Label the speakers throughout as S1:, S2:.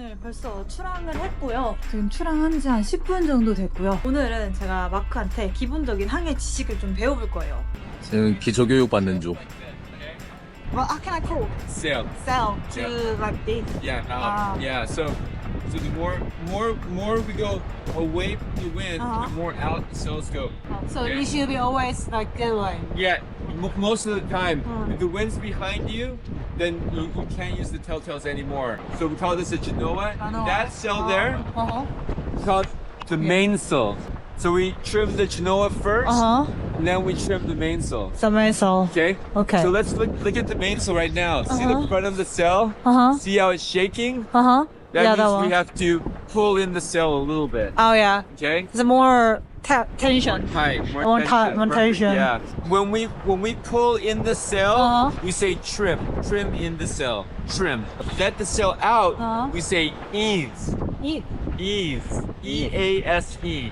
S1: 오늘 벌써 출항을 했고요. 지금 출항한 지 한 10분 정도 됐고요. 오늘은 제가 마크한테 기본적인 항해 지식을 좀 배워볼 거예요.
S2: 지금 기초교육 받는 중.
S1: Well, how can I call?
S3: Sail.
S1: Sail to
S3: Yeah.
S1: like this.
S3: Yeah. Yeah. So the more we go away from the wind, the more out the sails go.
S1: So
S3: Yeah.
S1: it should be always like that way.
S3: Yeah. Most of the time, if the wind's behind you, then you can't use the telltales anymore. So we call this a genoa. That sail there is called the mainsail. So we trim the genoa first, and then we trim the mainsail.
S1: The mainsail.
S3: Okay.
S1: Okay.
S3: So let's look at the mainsail right now. See the front of the sail? See how it's shaking?
S1: Uh-huh.
S3: That
S1: Yeah,
S3: means
S1: that one.
S3: we have to pull in the sail a little bit.
S1: Oh yeah.
S3: Okay.
S1: It's more tension.
S3: Tight.
S1: More tight, more
S3: Perfect,
S1: tension.
S3: Yeah. When we pull in the sail, we say trim. Trim in the sail. Trim. Let the sail out. We say ease.
S1: E
S3: Ease. E-A-S-E.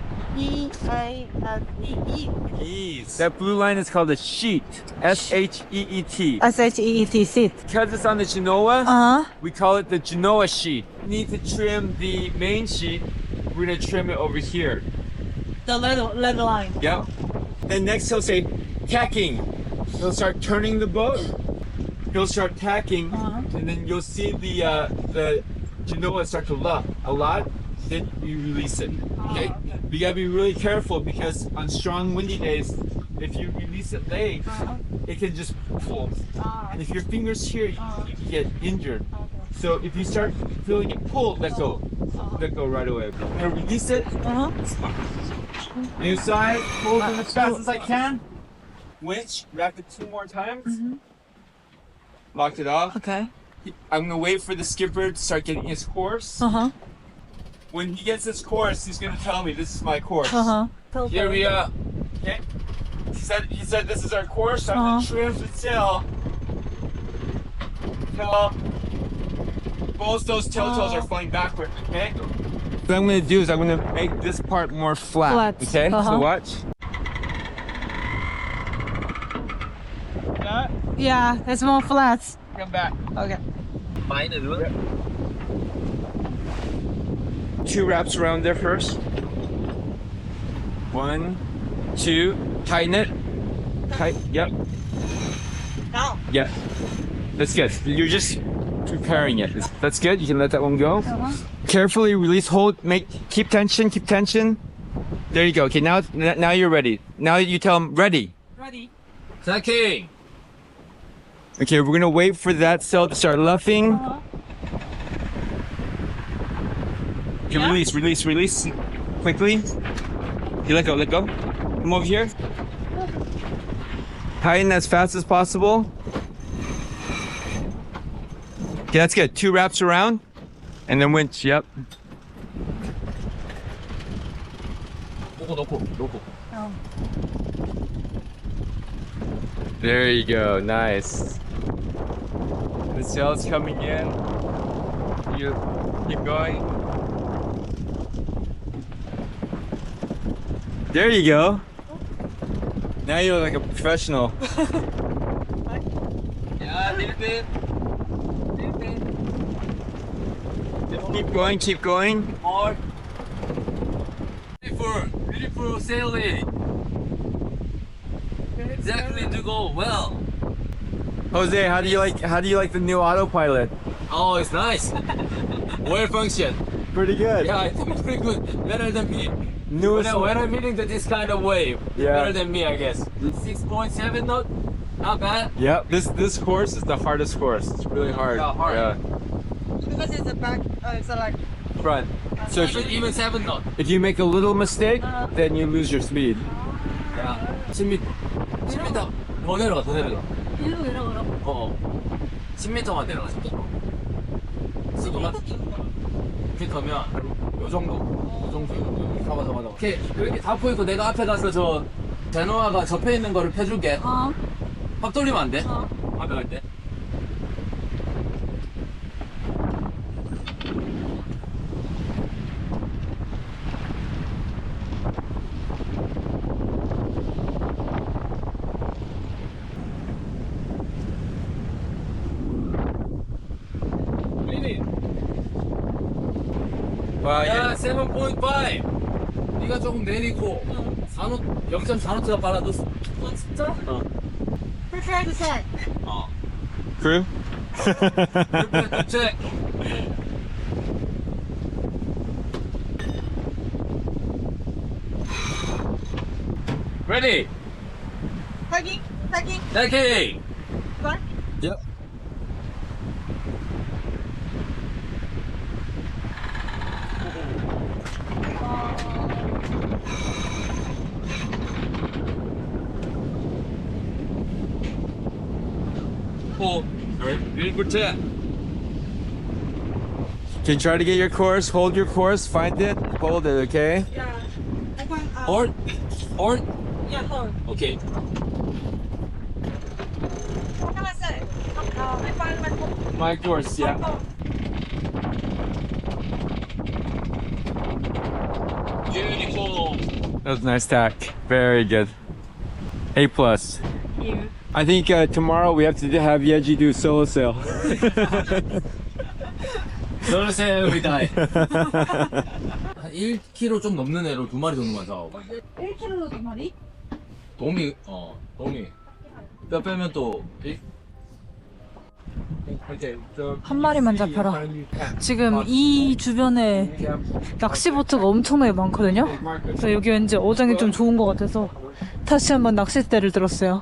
S1: E-A-S-E-E.
S3: Ease. That blue line is called a sheet. S-H-E-E-T.
S1: S-H-E-E-T, seat.
S3: Because it's on the Genoa,
S1: Uh-huh.
S3: we call it the Genoa sheet. We need to trim the main sheet. We're gonna trim it over here.
S1: The leather line.
S3: Yep. Then next he'll say tacking. He'll start turning the boat. He'll start tacking, and then you'll see the Genoa start to luff a lot. Then you release it. Okay. You gotta be really careful because on strong windy days, if you release it late, it can just pull. And if your fingers here, you can get injured. So if you start feeling it pull, let go. Let go right away. And release it. New side, hold it as fast as I can. Winch, wrap it 2 more times. Locked it off.
S1: Okay.
S3: I'm gonna wait for the skipper to start getting his course.
S1: Uh-huh.
S3: When he gets his course, he's gonna tell me this is my course.
S1: Uh-huh.
S3: Here we are. Okay. He said this is our course. I'm gonna trim the sail. Till both those telltales are flying backward. Okay. What I'm gonna do is I'm gonna make this part more flat.
S1: Flat.
S3: Okay. So watch. That.
S1: Yeah, it's more flat.
S3: Come back.
S1: Okay.
S3: Yep. 2 wraps around there first. 1, 2, tighten it. Tight. Yep.
S1: Now.
S3: Yeah. That's good. You're just preparing it. That's good. You can let that one go. Carefully release, hold, keep tension, keep tension. There you go. Okay, now you're ready. Now you tell them ready.
S1: Ready.
S2: Tacking.
S3: Okay, we're gonna wait for that sail to start luffing. Okay, release. Quickly. Okay, let go. Come over here. Tighten as fast as possible. Okay, that's good. 2 wraps around. And then winch, yep.
S2: 놓고.
S3: There you go, nice. The sail's coming in. You keep going. There you go. Now you look like a professional.
S2: Yeah, little bit.
S3: Keep going.
S2: More. Beautiful sailing. Exactly to go well.
S3: Jose, how do you like the new autopilot?
S2: Oh, it's nice. Well function.
S3: Pretty good.
S2: Yeah, I think it's pretty good. Better than me.
S3: Newest
S2: When I'm hitting this kind of wave,
S3: Yeah.
S2: better than me, I guess. 6.7 knot, not bad.
S3: Yep. This course is the hardest course. It's really hard.
S2: Yeah, hard.
S3: Yeah.
S1: Because it's a back, it's a like.
S3: Front. So
S2: Even 7 knot.
S3: if you make a little mistake, then you lose your speed.
S2: 야, 10m. 10m 더 내려가, 더 내려가.
S1: 일로 내려가라.
S2: 10m만 내려가, 10m. 지금은 이렇게 더면 요 정도. 잡아. 오케이, 이렇게 다 보이고 내가 앞에 가서 저 제노아가 접해 있는 거를 펴줄게. 확 돌리면 안 돼? 앞에 갈 때. 야, 7.5. 네가 조금 내리고 0.4노트가 빨라졌어.
S1: 진짜?
S2: 어.
S1: 풀셋.
S2: 어.
S3: Crew?
S2: 체 Ready.
S1: 타기.
S2: Taking.
S1: 걸?
S3: Yep.
S2: Pull. Alright.
S3: Can you try to get your course? Hold your course. Find it. Hold it. Okay.
S1: 야.
S2: Or.
S1: 야, 헐.
S2: Okay.
S3: My course. Yeah.
S2: Beautiful.
S3: That was a nice tack. Very good. A plus. I think tomorrow we have to have Yeji do solo sail.
S2: Solo we die. 한 1kg 좀 넘는 애로 2마리 정도만 잡아봐.
S1: 1kg로 2마리?
S2: 도미. 뼈 빼면 또
S1: 한 마리만 잡혀라. 지금 이 주변에 낚시보트가 엄청나게 많거든요. 그래서 여기 왠지 어장이 좀 좋은 것 같아서 다시 한번 낚싯대를 들었어요.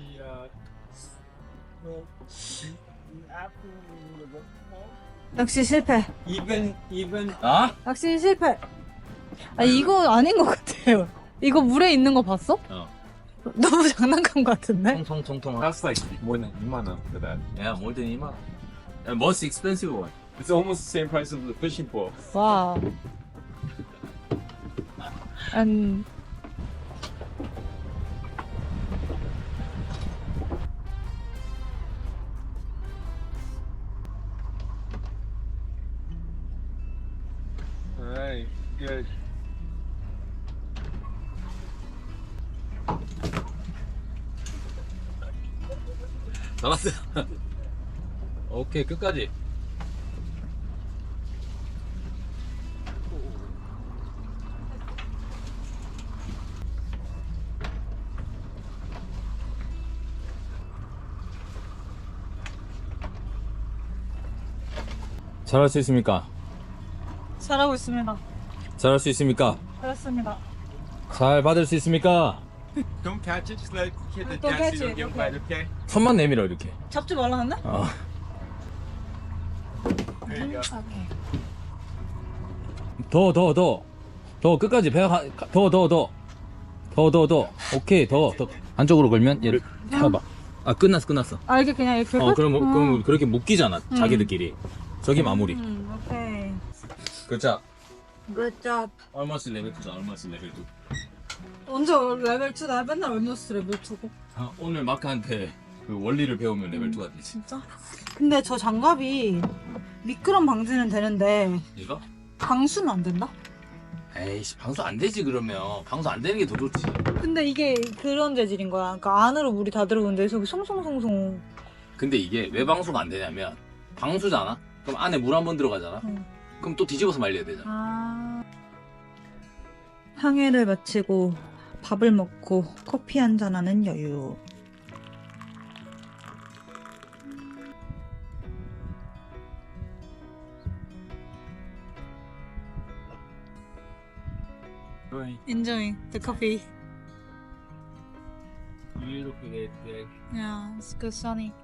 S1: 낚시 실패.
S3: Even.
S2: 아?
S1: 낚시 실패. 아 이거 아닌 것 같아요. 이거 물에 있는 거 봤어? 너무 장난감 같은데?
S2: 통통통통.
S3: That's like more than 2만 원 for that.
S2: Yeah, more than 2만. And most expensive one.
S3: It's almost the same price as the fishing pole.
S1: 와. 한
S3: Alright, good.
S2: 나갔어요. 오케이, 끝까지. 잘할 수 있습니까?
S1: 잘하고 있습니다.
S2: 잘할 수 있습니까?
S1: 잘했습니다.
S2: 잘 받을 수 있습니까?
S3: Don't catch it, just let it hit the
S1: Don't
S3: deck
S1: catch
S3: so you don't
S1: it,
S3: get
S1: okay.
S3: wet, okay?
S2: 손만 내밀어 이렇게.
S1: 잡지 말라는데?
S2: 어.
S3: There you go.
S2: 더 끝까지 배가 더. 오케이 더 안쪽으로 걸면 얘를 해봐. 아 끝났어.
S1: 아 이게 그냥 이렇게
S2: 그럼 그렇게 묶이잖아 자기들끼리. 저기 마무리.
S1: 오케이.
S2: 그자.
S1: Good job.
S2: 얼마씩 레벨 2다 얼마씩 레벨 2.
S1: 언제 레벨 2다? 맨날 웬더스 레벨 2고.
S2: 오늘 마크한테 그 원리를 배우면 레벨 2가 되지.
S1: 진짜? 근데 저 장갑이 미끄럼 방지는 되는데
S2: 이거?
S1: 방수는 안 된다?
S2: 에이씨 방수 안 되지 그러면. 방수 안 되는 게 더 좋지.
S1: 근데 이게 그런 재질인 거야. 그러니까 안으로 물이 다 들어오는데 저기 송송송송.
S2: 근데 이게 왜 방수가 안 되냐면 방수잖아? 그럼 안에 물 한 번 들어가잖아?
S1: 응.
S2: 그럼 또 뒤집어서 말려야 되잖아.
S1: 아. 항해를 마치고 밥을 먹고 커피 한잔 하는 여유.
S3: Right.
S1: Enjoying the coffee.
S2: Beautiful day.
S1: Yeah, it's good sunny.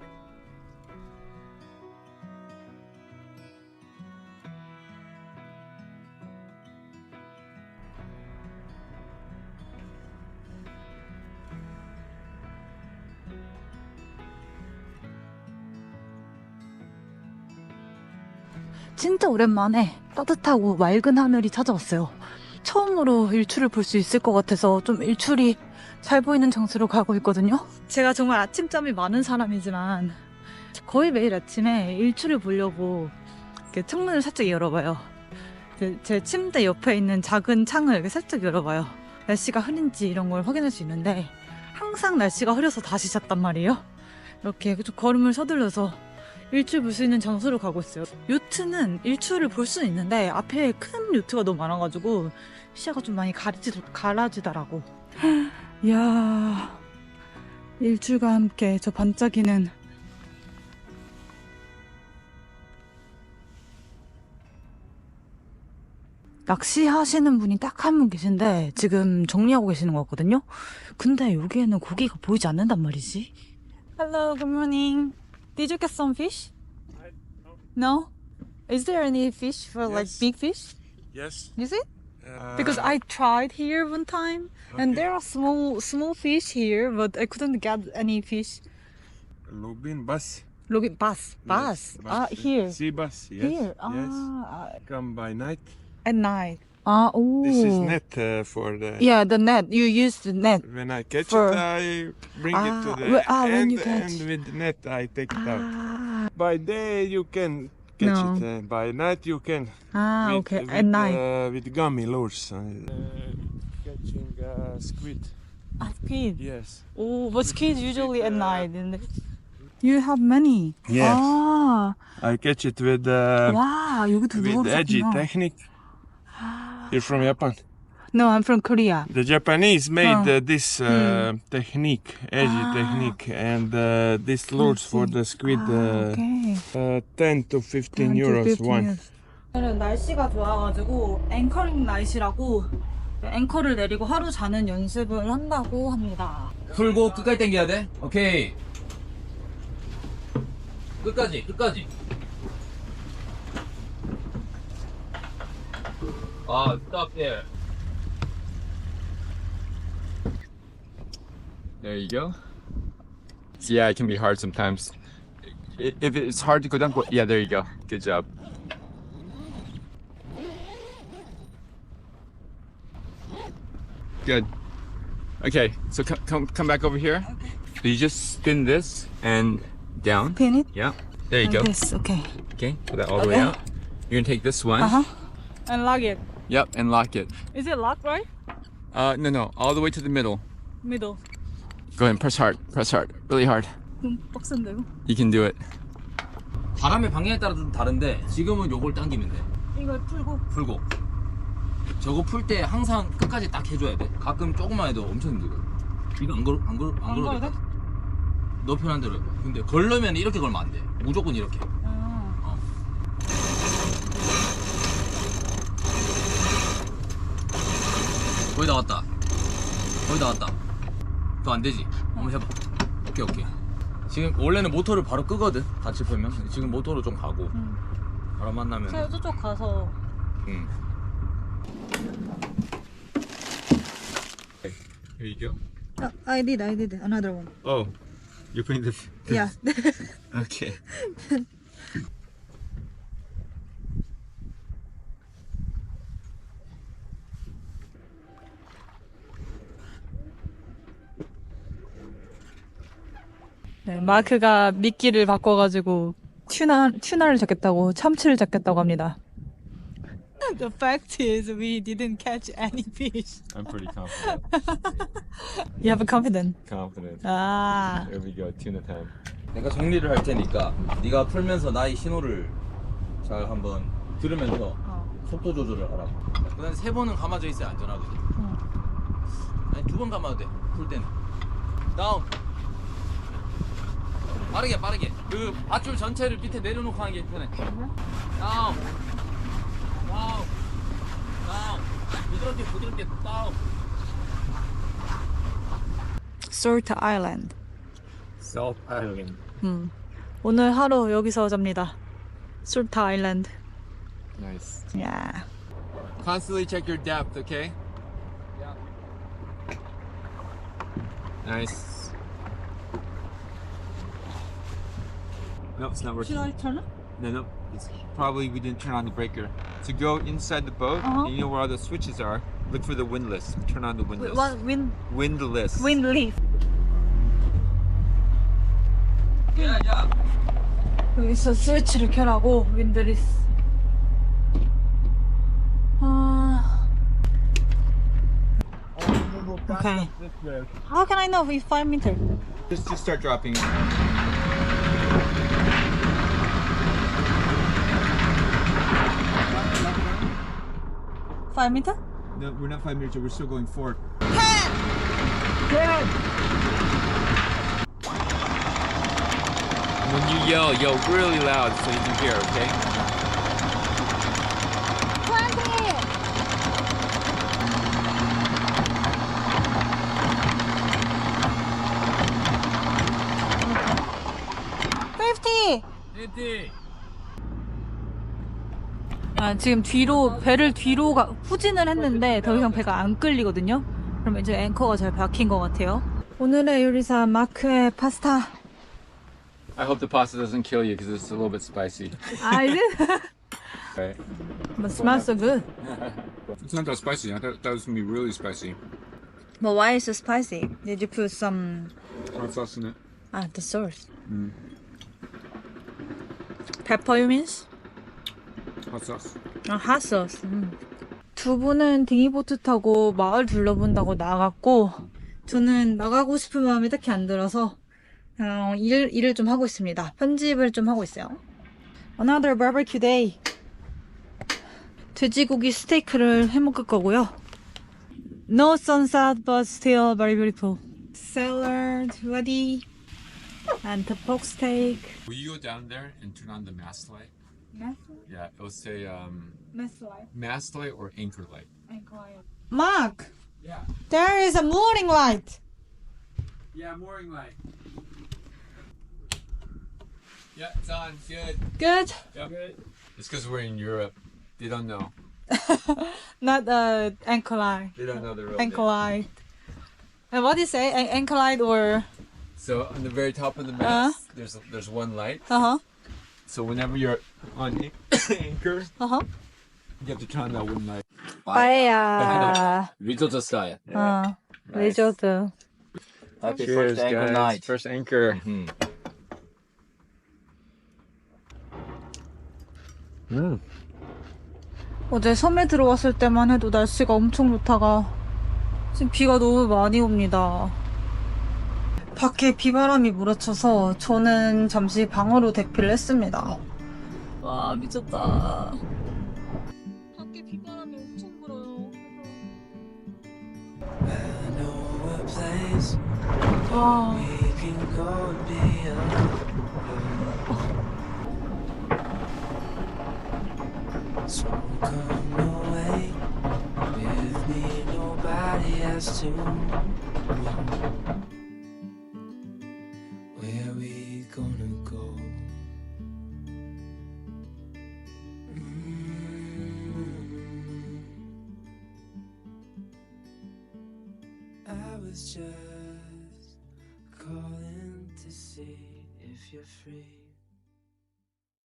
S1: 진짜 오랜만에 따뜻하고 맑은 하늘이 찾아왔어요. 처음으로 일출을 볼 수 있을 것 같아서 좀 일출이 잘 보이는 장소로 가고 있거든요. 제가 정말 아침잠이 많은 사람이지만 거의 매일 아침에 일출을 보려고 이렇게 창문을 살짝 열어봐요. 제 침대 옆에 있는 작은 창을 이렇게 살짝 열어봐요. 날씨가 흐린지 이런 걸 확인할 수 있는데 항상 날씨가 흐려서 다시 잤단 말이에요. 이렇게 좀 걸음을 서둘러서 일출 볼 수 있는 장소로 가고 있어요. 요트는 일출을 볼 수는 있는데 앞에 큰 요트가 너무 많아가지고 시야가 좀 많이 가라지더라고. 이야, 일출과 함께 저 반짝이는 낚시하시는 분이 딱 한 분 계신데 지금 정리하고 계시는 것 같거든요. 근데 여기에는 고기가 보이지 않는단 말이지. Hello, good morning. Did you get some fish? No? Is there any fish for like
S4: Yes.
S1: big fish?
S4: Yes.
S1: Is it? Because I tried here one time and there are small fish here, but I couldn't get any fish.
S4: Lubin bus.
S1: Look at bass. Here.
S4: Sea bus. Yes.
S1: Here.
S4: Yes.
S1: Ah,
S4: Come by night.
S1: at night. Ah, oh.
S4: This is net for the.
S1: Yeah, the net. You use the net.
S4: When I catch
S1: For-
S4: it, I bring it to the
S1: when
S4: end,
S1: you catch.
S4: and with the net I take it out.
S1: Ah,
S4: By day you can catch
S1: No.
S4: it. By night you can.
S1: okay. At night.
S4: With gummy lures. Catching squid.
S1: Squid.
S4: Yes.
S1: Oh, but squid usually at night, isn't it? You have many.
S4: Yes.
S1: 아,
S4: I catch it with
S1: 와, 여기도
S4: with edgy
S1: 누워있구나.
S4: technique. You're from Japan.
S1: No, I'm from Korea.
S4: The Japanese made
S1: Oh.
S4: this technique, edgy technique, and this lures for the squid
S1: 오케이.
S4: 10 to 15 euros one.
S1: 오늘은 날씨가 좋아가지고 앵커링 나이시라고 앵커를 내리고 하루 자는 연습을 한다고 합니다.
S2: 풀고 끝까지 당겨야 돼. 오케이. 끝까지. Stop there.
S5: There you go. So yeah, it can be hard sometimes. If it's hard to go down, yeah, there you go. Good job. Good. Okay, so come back over here. So you just spin this and down.
S1: Pin it?
S5: Yeah. There you go.
S1: Yes, okay.
S5: Okay, put that all the way
S1: Okay.
S5: out. You're gonna take this one.
S1: And lock it.
S5: Yep, and lock it.
S1: Is it locked right?
S5: No, all the way to the middle.
S1: Middle.
S5: Go ahead and press hard, really hard.
S1: 빡센데요?
S5: You can do it.
S2: 바람의 방향에 따라 좀 다른데 지금은 요걸 당기면 돼.
S1: 이걸 풀고.
S2: 풀고. 저거 풀 때 항상 끝까지 딱 해줘야 돼. 가끔 조금만 해도 엄청 힘들거든. 이거 안
S1: 걸어도
S2: 걸어도
S1: 돼?
S2: 돼? 너 편한 대로 해봐. 근데 걸려면 이렇게 걸면 안 돼. 무조건 이렇게. 거의 다 왔다. 더 안 되지? 한번 해봐. 오케이. 지금 원래는 모터를 바로 끄거든. 같이 풀면. 지금 모터로 좀 가고. 바람 만나면.
S1: 제가 저쪽 가서.
S2: 응.
S5: Here you go.
S1: I did another one.
S5: Oh, you're putting this.
S1: Yeah.
S5: Okay.
S1: 네, 마크가 미끼를 바꿔가지고 튜나를 잡겠다고 참치를 잡겠다고 합니다. The fact is we didn't catch any fish.
S5: I'm pretty confident.
S1: You have a confidence.
S5: Confident.
S1: 아,
S5: There we go. Tuna time.
S2: 내가 정리를 할 테니까 네가 풀면서 나의 신호를 잘 한번 들으면서 속도 조절을 하라고. 그다음에 3번은 감아져 있어야 안전하거든. 아니 2번 감아도 돼. 풀 때는. 다운. 빠르게. 그 밧줄 전체를 밑에 내려놓고 하는 게 편해. 다운. 부드럽게 다운.
S1: Salt Island.
S5: Salt Island.
S1: 오늘 하루 여기서 잡니다. Salt Island.
S5: Nice.
S1: Yeah.
S5: Constantly check your depth, okay?
S2: Yeah.
S5: Nice. No, it's not working.
S1: Should I turn it?
S5: No. It's probably we didn't turn on the breaker. To go inside the boat, and you know where all the switches are. Look for the windlass. Turn on the windlass.
S1: What
S5: Windlass.
S1: wind leaf.
S2: 야.
S1: 여기서 스위치를 켜라고 윈드리스. Okay. How can I know if 5 meters?
S5: Just start dropping.
S1: 5 meters?
S5: No, we're not 5 meters, we're still going forward. When you yell really loud so you can hear, okay?
S1: 50!
S2: 띠띠.
S1: 아, 지금 배를 뒤로 후진을 했는데 더 이상 배가 안 끌리거든요. 그럼 이제 앵커가 잘 박힌 것 같아요. 오늘의 요리사 마크의 파스타.
S5: I hope the pasta doesn't kill you because it's a little bit spicy.
S1: 아, 이제?
S5: Right.
S1: But smells so good.
S5: It's not that spicy. I thought that was gonna be really spicy.
S1: But why is it so spicy? Did you put some
S5: Hot sauce in it.
S1: the sauce? Pepper you means?
S5: Hot sauce.
S1: 아, hot sauce. 두 분은 딩이보트 타고 마을 둘러본다고 나갔고 저는 나가고 싶은 마음이 딱히 안 들어서 일을 좀 하고 있습니다. 편집을 좀 하고 있어요. Another barbecue day. 돼지고기 스테이크를 해먹을 거고요. No sunset, but still very beautiful. Salad ready. And the pork steak.
S5: Will you go down there and turn on the mast light? Yeah, it'll say mast light or anchor light.
S1: Mark,
S5: Yeah.
S1: there is a mooring light.
S5: Yeah, mooring light. Yeah, it's on. Good.
S1: Good.
S5: Yep. It's because we're in Europe. They don't know.
S1: Not anchor light.
S5: They don't know the real
S1: Anchor
S5: name.
S1: light. And what do you say? Anchor light or
S5: So on the very top of the mast, there's one light. So whenever you're on anchor, you have to turn on that one light.
S1: 빠에야.
S2: 리조트 스타일.
S1: 리조트.
S2: Happy first anchor night.
S5: First anchor.
S1: 어제 섬에 들어왔을 때만 해도 날씨가 엄청 좋다가 지금 비가 너무 많이 옵니다. 밖에 비바람이 몰아쳐서 저는 잠시 방으로 대피를 했습니다. 와, 미쳤다. 밖에 비바람이 엄청 불어요. 와.
S6: So come away with me, nobody has to know. Where we gonna go? I was just calling to see if you're free.